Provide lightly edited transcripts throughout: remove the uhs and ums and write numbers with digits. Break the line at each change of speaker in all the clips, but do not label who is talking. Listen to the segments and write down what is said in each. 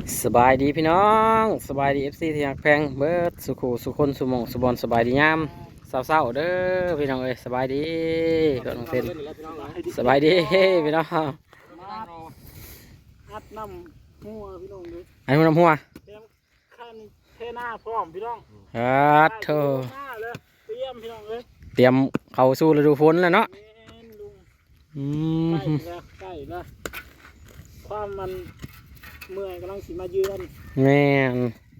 สบายดีพี่น้องสบายดีFCที่ฮักแพงเบิดสุขุสุคนสุหมองสุบอนสบายดียามเศร้าๆเด้อพี่น้องเอ้ยสบายดีก็น้องเซนสบายดีพี่น้อง
อัดน้ำหัวพี่น้องเลย
ไอ้หัวน้ำหัว
เตรียมขั้นเทหน้าพร้อมพี่น้อง
เธอ
หน้าเลยเตรียมพี่น้องเลย
เตรียมเข้าสู่ฤดูฝนแล้วเนาะ
แม่นลุงใกล้แล้วความมันเมื่อยกำลังสิมาเยือน
แม่น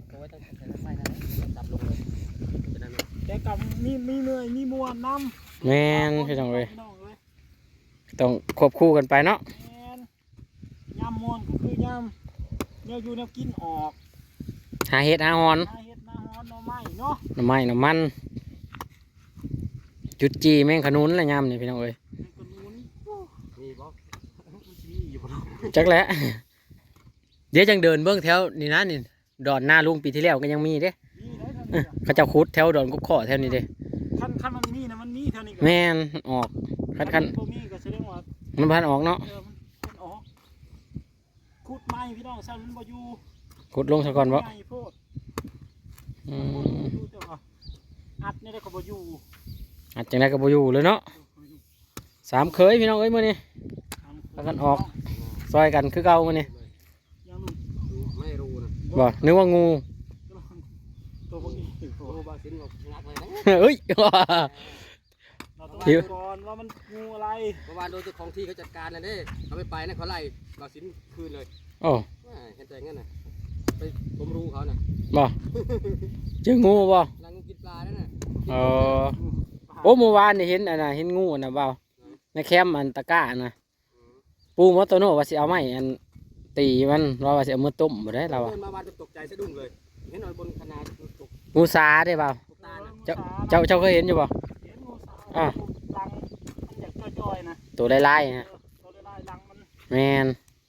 แต่กับมีเมื่อยมีมวนน้
ำแม่นพี่น้องเอ้ยต้องควบคู่กันไปเนาะ
แม่นยำมวนก็คือยำเนี่ยอยู่เนี่ยกินออก
หาเห็ดหาหอน
หาเห็ดหาหอนหน่อไม้เนาะ
หน่อไม้หน่อมันจุดจีแม่งขนุนอะไรยำนี่พี่น้องเอ้ยจักแล้วเดี๋ยวจังเดินเบื้องแถวนี่นะนี่ดอนหน้าลุงปีที่แล้วก็ยังมีเด้เขาเจ้าคุดแถวดอนกุ๊กข้อแถวนี้เด้
คันมันมีนะมันมีแถวนี้
แม่นออกคัน
ตัวมีก็แสดงว่า
มันพันออกเนาะ
มันออกขุดไม้พี่น้องสั่นมันบ่อยู่
ขุดลงซะก่อนบ่
อัดนี่ได้ก็บ่อยู่
อัดจังไดก็บ่อยู่เลยเนาะสามเคยพี่น้องเอ้ยมื้อนี้พากันออกซอยกันคือเก่ามื้อนี้
ไม่รู้นะ
บ่นึกว่างู
ตัวพวกนี้ตัวบาสินบอกงักเลย
นะเอ้ย
เดี๋ยวก่อนว่ามันงูอะไร
เมื่อวานโดนเจ้าของที่เขาจัดการนะเด้เขาไม่ไปนะเขาไล่บาสินคืนเลย
โอ้
เห็นใจงั้นน่ะไปผมรู้เขาน่ะ
บ่เจองูบ่
นางงูกินปลาแล้วน่ะ
โอ้เมื่อวานนี่เห็นอันน่ะเห็นงูน่ะเปล่าในแคมป์อันตะก้าน่ะปูมอโตโน่ว่าสิเอาไม้อันตีมันว่าสิเอามือต้มบ่ได้เรา
เดินมาวานตกใจสะดุ้งเลยเห็นนอนบนคณะตก
งูสาได้เปล่าเจ้าเคยเห็นอยู่บ่
เห็นงูสาลังมันอยากจ่อยๆนะ
ตัวลายๆนะ
ตัวลายลังมัน
แมน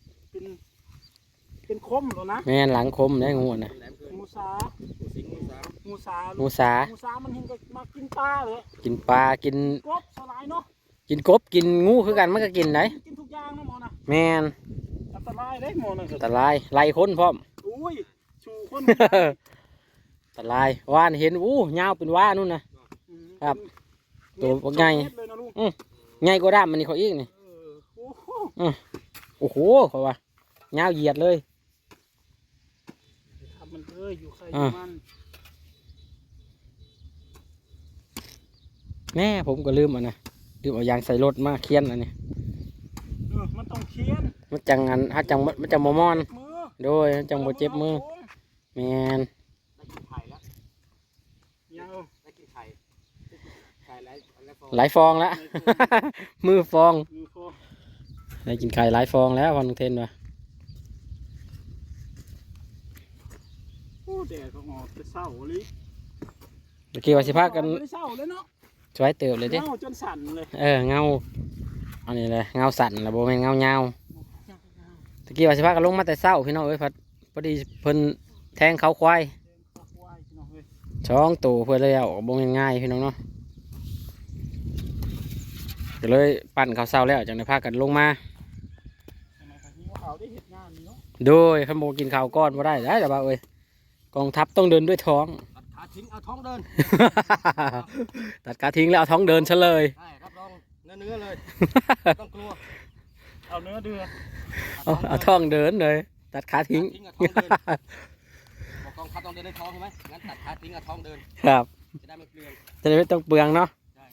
เป็นคมหรอนะ
แมนหลังคมได้งูน่ะ
งูสางูสามันเห็นก็มากินปลาเลย
กินปลากิน
กบสลายเนาะ
กินกบกินงูคือกันมันก็กินได้
กินทุกอย่างนะหมอนะ
แมน
อันตรายได้หมอนะ
อันตรายไล่คนพร้อม
อุ้ยชูคน
อันตรายว่านเห็นยาวเป็นว่านู่นนะครับตัวใหญ่ใหญ่กว่าด้ามมันนี่เขาอีกนี่โอ้โหเขาว่ายาวเหยียดเลย
มันอยู่ใครมัน
แม่ผมก็ลืมลืมเอายางใส่รถมาเคียนอันนี้
มันต้องเคียน
มันจังอันถ้าจังมันจังมอนโดยจังโมเจ็บมือแมนหลายฟองแล้วมือฟองได้กินไข่หลายฟองแล้ววันนึงเทนวะ
แดดก็ออกจะเศร้าเลย
เมื่อกี้ว่าสิพากัน
เศร้าเลยเนาะ
ช่วยเติบเลยดิ
เงาจนสั่นเลย
เงาอันนี้เลยเงาสั่นแล้วโบแม่นเงาเงาเมื่อกี้ว่าสิพากันลงมาแต่เศร้าพี่น้องเอ้ยพอดีเพิ่นแทงเขาควายช่องตู่เพื่อเลยเอาโบแม่นง่ายพี่น้องเนาะก็เลยปั่นเขาเศร้าแล้วจังได้พากันลงมาโดยขันโบกินข้าวก้อนมาได้แต่บ่าเอ้ยกองทัพต้องเดินด้วยท้อง
ตัดขาทิ้งเอาท้องเดิน
ตัดขาทิ้งแล้วเอาท้องเดินซะเลย
รับรองเนื้อเลยต้องกลัว
เอาเนื้อเดือด
เอาท้องเดินเลยตัดขาทิ้ง
กองทัพต้องเดินด้วยท้องใช่ไหมงั้นตัดขาทิ้งเอาท้องเดิน
ครับ
จะได้ไม่เปลือง
จะได้ไม่ต้องเปลืองเนาะ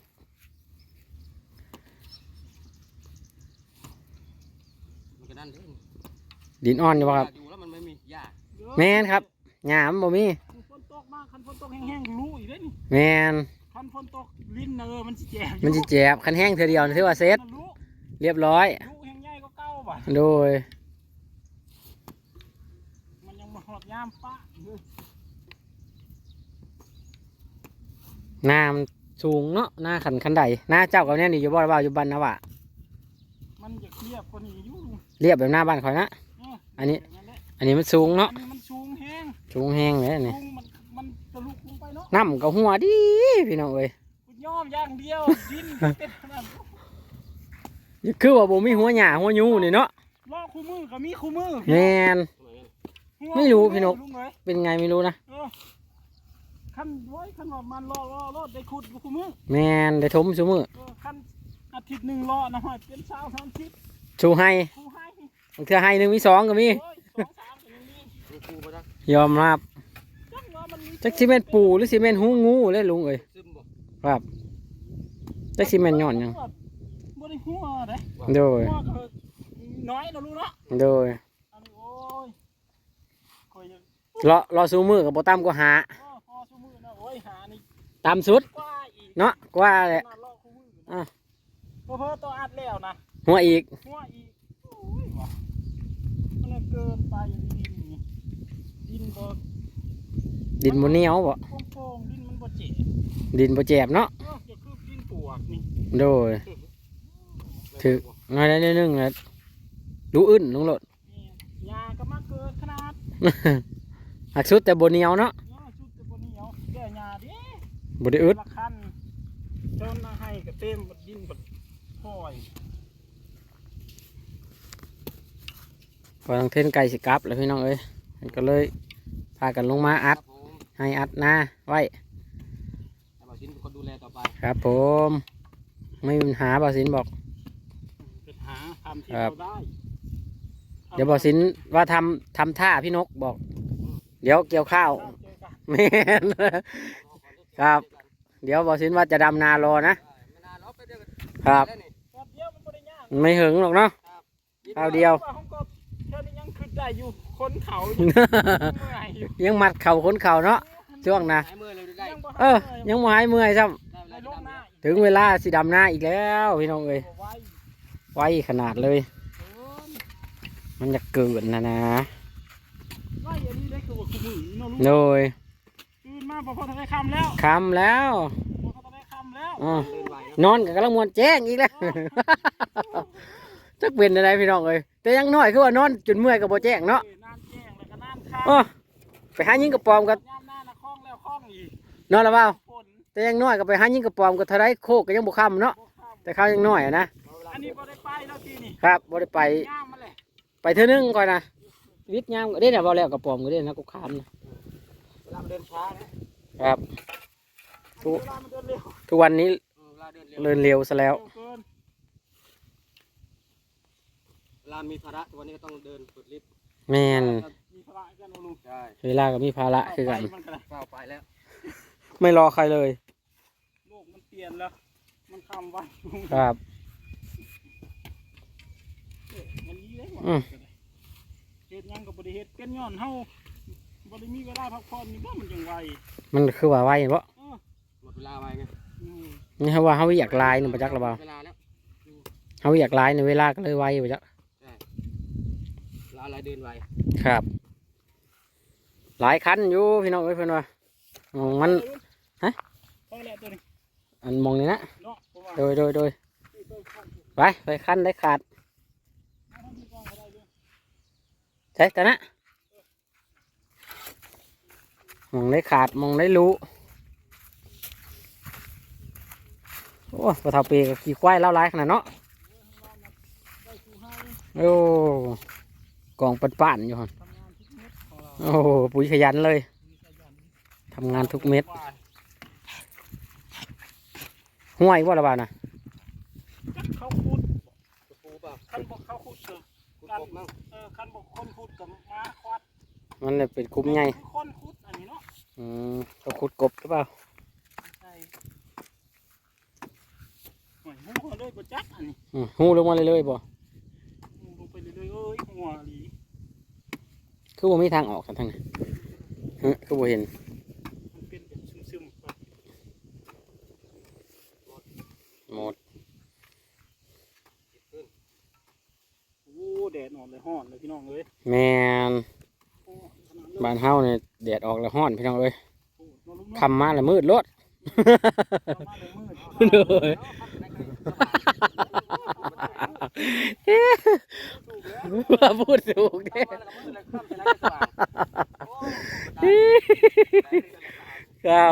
ดินอ่อนอยู่ครับแมนครับหยามบ่มี
ฝนตกมากคันฝนตกแห้งๆรู้อีกเลยนี่
แมน
คันฝนตกลิ้นมันสิแจบ
มันสิแจบคันแห้งเธอเดียวถือว่าเซ็ตเรียบร้อย
รู้แห้งใหญ่ก็เก้าบาท
โดย
มันยังมาหอบยามปะ
น้ำสูงเนาะหน้าขันใดหน้าเจ้ากับเนี่ยนี่อยู่บ่าวอยู่บ้านนะวะ
มันอยากเรียบคนนี้อยู่
เรียบแบบหน้าบ้านคอยนะอันนี้มันสูงเนาะ
มันสูงแห้ง
เลยนี่
มันทะลุลงไปเนาะ
น้ำกับหัวดีพี่น้องเอ้ย
ย่อมอย่างเดียวดินเป็นขนาด
คือว่าบ่มีหัวหญ้าหัวยูนี่เนาะ
ล้อคู่มือกับมีคู่มือ
แมนไม่รู้พี่นก
ลุงเอ้ย
เป็นไงไม่รู้นะ
คันไว้คันว่ามันรอได้ขุดกูมือ
แมนได้ทมซุมือ
คันอาทิตย์หนึ่งรอนะฮะเป็นเช้าทั้งอาทิตย์
ชูให้
กูให้
บางเทื่อให้หนึ่งมีสองก็มี
โอ้ย2-3ก็ยังมี
ดูครูมาจัก
ยอมรับ
จังว่ามันมี
จักซีเมนปูหรือซีเมนหูงูเลยลุงเอ้ย
ซึมบ่
ครับจักซีเมนย้อนหยัง
บ่ได้หัวเด้
โดย
หัวก็น้อยนะลูกเนาะ
โดย
อันนี้โอ้ยคอยยัง
รอซูมือกับโบตั้มก็หา
พอชั่วมือนะโอ้ยหานี่
ตามสุด
กว่าอีก
เนาะกว่าแหละ
น่ารอคู่มือ
อ่ะ
นะเพิ่ตัวอัดแล้วนะ
หัวอีก
หัวอีกโอ้ยว่ะมันเกินไปอย่างนี้ดินบ่
ดินบนเหนียวบ่
โป่งๆดินมันบ่เจ๋
ดินบ่แจบเนาะ
จะคือดินปวกนี่
โดยถือน้อยได้นิดนึงนะดูอึ้นลุงโลด
นี่ยาก็มาเกินขนาด
หักสุดแต่บนเหนียวเนาะ
เนาะชุดแต่บ่เหนียวแก่ยาดิ
บ่ได้อึด
ละคันเจ้าหน้าให้ก็เต็มบดดินบดพ่อย
พอทางเทนไก่สิกลับแล้วพี่น้องเอ้ยมันก็เลยพากันลงมาอัด
ครับผม
ให้อัดหน้าไว้
แต่บ่าวสินเป็นคนดูแลต่อไป
ครับผมไม่มีปัญหาบ่าวสินบอก
เป็นหาทำที่
ครับ
เราได้
เดี๋ยวบ่าวสินว่าทำท่าพี่นกบอก เดี๋ยวเกี่ยวข้าว
เจอกัน
แม่น ครับ เดี๋ยวบ่าวสินว่าจะดำนารอนะ
ไม่นานหรอกแป๊บเดียวก็
ครับ
ได้นี่
แป๊บเดียวมันบ่ได้ยาก
ไม่หึงหรอกเนาะ ข้าวเดียว
ผมก็เท่านี้ยังขึ้นได้อยู่คนเขาอยู่เมื่อยอยู่
ยังมัดเข่าคนเข่าเนาะช่วงนะ
หายมือเลยได้
ยังบ่
เออ ยังบ่หายเมื่อยซ้
ได้เว
ใน
ลา
โล
จะ
กหน้า
ดำ
อีก
ำถึงเวลาสิดำหน้าอีกแล้วพี่น้องเอ้ย
ไว้
ไวขนาดเลย มันจะเกินนะ
ไว้อันนี้ได้คือว่าคือมือเนาะลูก
โดย
ตื่นมาพอทะเลคำแล้ว
คำแล้ว
พอทะเลคำแล้ว
อ๋อ
เดินไหวเนาะ
นอนกับกำลังมวนแจ้งอีกแล้ว จักเป็นอะไรพี่น้องเอ้ยแต่ยังน้อยคือว่านอนจนเมื่อยกับโบแจ้งเนาะ
น้ำแจ้งแล้วก็น้ำข้าว
อ๋อไปหายิงกระปอมกัน
ย่ำหน้านะคล้องแล้วคล้องอีก
นอนแล้วเปล่า
ฝน
แต่ยังน้อยก็ไปหายิงกระปอมก็เท่าไรโคกก็ยังบุคำเนาะ
บ่ข้าม
แต่เขายังน้อยอะนะ
อันนี้บ่ได้ไปแล้วทีนี่
ครับบ่ได้ไป
ย่ามมาเลย
ไปเท่านึงก่อนนะวิทย์ยามก็ได้เนี่ยบ่แล้วกระปอมก็ได้นะกูขามนะ
เวลามันเดินช้านะครับ
เวลามันเดินเร็ว
ทุกวันนี้
เวลาเดินเร็ว
เดินเร็วซะแล้ว
เกิน
เวลามีภาระทุกวันนี้ก็ต้องเดินฝึกลิฟต์
แม่น
มีพละกันเอาลุง
ใช่
เวลาก็มีภาระคือกัน
ไปมันก็ได้
ก้าวไปแล้ว
ไม่รอใครเลย
โลกมันเปลี่ยนแล้ว มันคำไว้ลุง
ครับ
มันยีได้หมด
อืม
เฮ็ดหยังกับบริเฮ็ดเป็นย้อนเฮาบริมีเวลาพักผ่อนนี่บ่มันจังไว
มันคือว่าไวบ่
หมดเวลาไปไง
อืม
นี่เขาว่าเขาอยากลายนี่ประจักหรือเปล่า
เวลาแล้ว
เขาอยากลายในเวลาก็เลยไวประจัก
ใช่เวลาอะไรเดินไว
ครับ หลายคันอยู่พี่น้องเอ้ยเพื่อนว่าอ๋อมัน ฮะ
พอแล้วตัวนี้
อันมองนี่นะ
เนาะผมว่า
โดย
ที่เคยคันอยู่
ไปคันได้ขาด
เอาทำที่กองก็ได้เลย
ใช่แต่นะมองได้ขาดมองได้รู้โอ้ปลาเทาเปกับขี่ควายเล่าร้ายขนาดเนาะ
ได้คู่ให้
โอ้กองปั่นๆอยู่ฮะ
ทำงานทุกเม็ดของเรา
โอ้ปุ๋ยขยันเลย
มีขยัน
ทำงานทุกเม็ด
กว่า
ห้วยว่าระบาดนะ
จักเขาขุด
กระปูเปล่า
คันบอกเขาขุดเถอะ
กุดกบมั้ง
คันบอกคนขุดกับม้าควัด
มันเลยเป็นคุ้มไง
คือคนขุดอันนี้เนาะ
เขาขุดกบหรือเปล่า
ใช่หอยหัวเลยบ่จักอันนี้
หูลงมาเลยบ่
ลงไปเรื่อยๆเอ้ยหัวหลี
คือว่ามีทางออกกันทางไหนคือว่าเห็น
มันเป็นแบบซึมๆไป
หมด
โอ้แดดอ่อนเลยฮ้อนเลยพี่น้องเอ้ย
แมน
โอ้ขนาดเลย
บ้านเฮาเนี่ยแดดออกแล้วห้อนพี่น้องเอ้ย
โอ้นอนลุกเนาะ
คำมาแล้วมืดรถ
เอามาเลยมืด
เลยว่าพูดถูกเด้ ครับ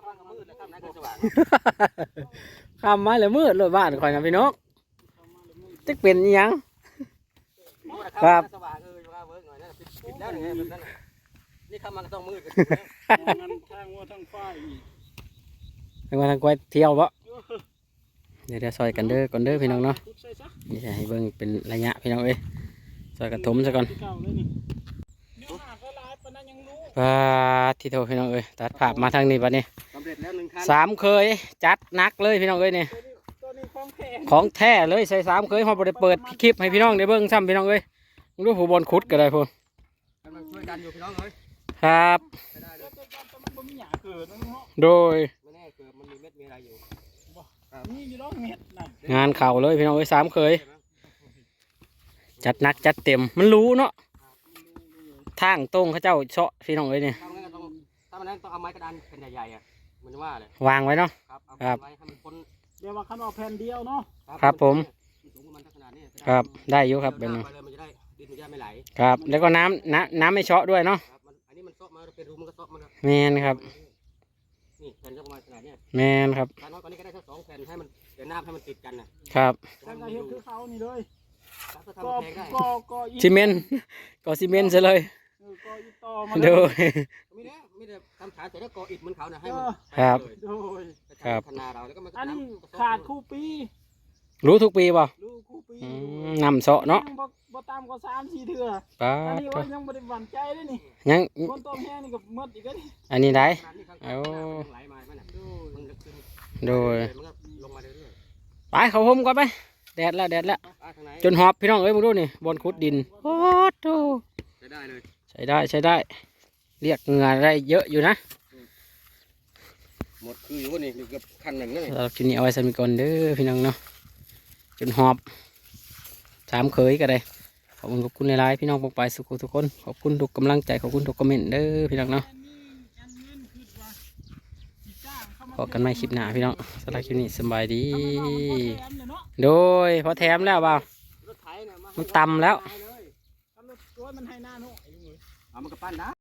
คำมาแล้วมืดรถบ้านคอยนะพี่นกจะเป็นอิหยัง ครับ
สว่างเออว่าเวิร์กหน่อยนะปิดแล้วไงแบบนั้นนี่เข้ามาก็ต้องมืด
งั้นทางวัวทางฝ้ายอีก
ไปมาทางกล้วยเที่ยวบ่เดี๋ยวซอยกันเด้อก่อนเด้อพี่น้องเนาะ
ใส่ซะ
นี่จะให้เบิ่งเป็นระยะพี่น้องเอ้ยซอยกระถมซะก่อน
ที่เก่าเลยนี่เนื้อหาก็หลายปานนั้นยังรู้
ที่โทพี่น้องเอ้ยตัดภาพมาทางนี้บัดนี้
สำเร็จแล้ว1 คัน
สามเคยจัดหนักเลยพี่น้องเอ้ยนี่
ตัวนี้ของแท้
ของแท้เลยใส่สามเคยเขาบ่ได้เปิดคลิปให้พี่น้องได้เบิ่งซ้ำพี่น้องเอ้ยมึงดูผู้บอลขุดก็ได้พุ่น
กำลังช่วยกันอยู่พี่น้องเอ้ย
ครับ
ไม่ได้เลย
แต่มันบ่มีหยาเกิดนะเนาะ
โดย
ไม่แน่เกิดมันมีเม็ดมีอะไรอยู่
มีอยู่ดอกเม็ดนั่น
งานเข่าเลยพี่น้องเอ้ยสามเคยจัดหนักจัดเต็มมันรู้เนาะทางตรงเขาเจ้าเชาะพี่น้องเอ้ยนี่
ถ้ามันนั้นต้องเอาไม้กระดานแผ่นใหญ่ๆอ่ะมันว่าเลย
วางไว้เนาะ
ครับเอา
ครับ
ไว้ให้มันพ้น
เดี๋ยวว่าคันว่าแผ่นเดียวเนาะ
ครับผม
สูงประมาณขนาดนี้
ครับได้อยู่ครับเป็น
ไปเลยมันจะได้ดินมันจะไม่ไหล
ครับแล้วก็น้ำไม่เชาะด้วยเนาะ
ครับมันอันนี้มันซอกมาเป็นรูมันก็ซอกมัน
แมนครับ
นี่แผ่นก็ประมาณขนาดนี้
แมนครับ
การน้อยกว่านี้ก็ได้สัก2 แผ่นให้มันเดี๋ยวน้ำให้มันติดกันนะครับ
แต่ก็เฮ็ดคือเขานี่เลย
ถ้า
ก็
ทำแพงได้
ก็อี
ซีเมนต์ก็ซีเมนต์ซะเลย
ก็อีต่อมา
โดย
มีแต่ทำฐานแต่แล้วก่ออิฐเหมือนเขานะให้มัน
ครับ
โดย
ครับ
ขนาดเราแล้วก็มัน
อันนี้ขาดคู่ปี
รู้ทุกปีป่ะ
ลูกคู่ปี
นำเสาะเนาะ
บ่ตามก็3-4เทื่อ
ป้า
อัน
ด
นี้ว่ายังบ่ได้หวั่นใจเลยนี่
ยัง
คนต้มแห้งนี่ก็หมดอีกแล้วนี่
อันนี้ได้
เอาไหลมามันมันลึกขึ้น
โดย
มันก็ลงมาเรื่อย
ไปเขาห่มก่อนไปแดดแล้วแดดแล้ว
ๆทางไหน
จนหอบพี่น้องเอ้ยมึงดูนี่บนขุดดินโอ้โห
ใช้ได้เลย
ใช้ได้ใช้ได้ เรียกเหงื่อได้เยอะอยู่นะ
หมดคืออยู่นี่อยู่เกือบคันหนึ่งเลย
เรากินนี้เอาไว้สมิก่อนเด้อพี่น้องเนาะจนหอบสามเคยก็ได้ขอบคุณหลายๆพี่น้องปกไปสุขทุกคนขอบคุณทุกกำลังใจขอบคุณทุกคอมเมนต์เด้อพี่น้องเนาะพบกันใหม่คลิปหน้าพี่น้องสำหรับคลิปนี้สบายดี โดยพอแถมแล้วเปล่า
รถไถเนี่ย
มันต่ำแล้ว
รถมันให้หน้าโน่
เอามันก็ปั้นนะ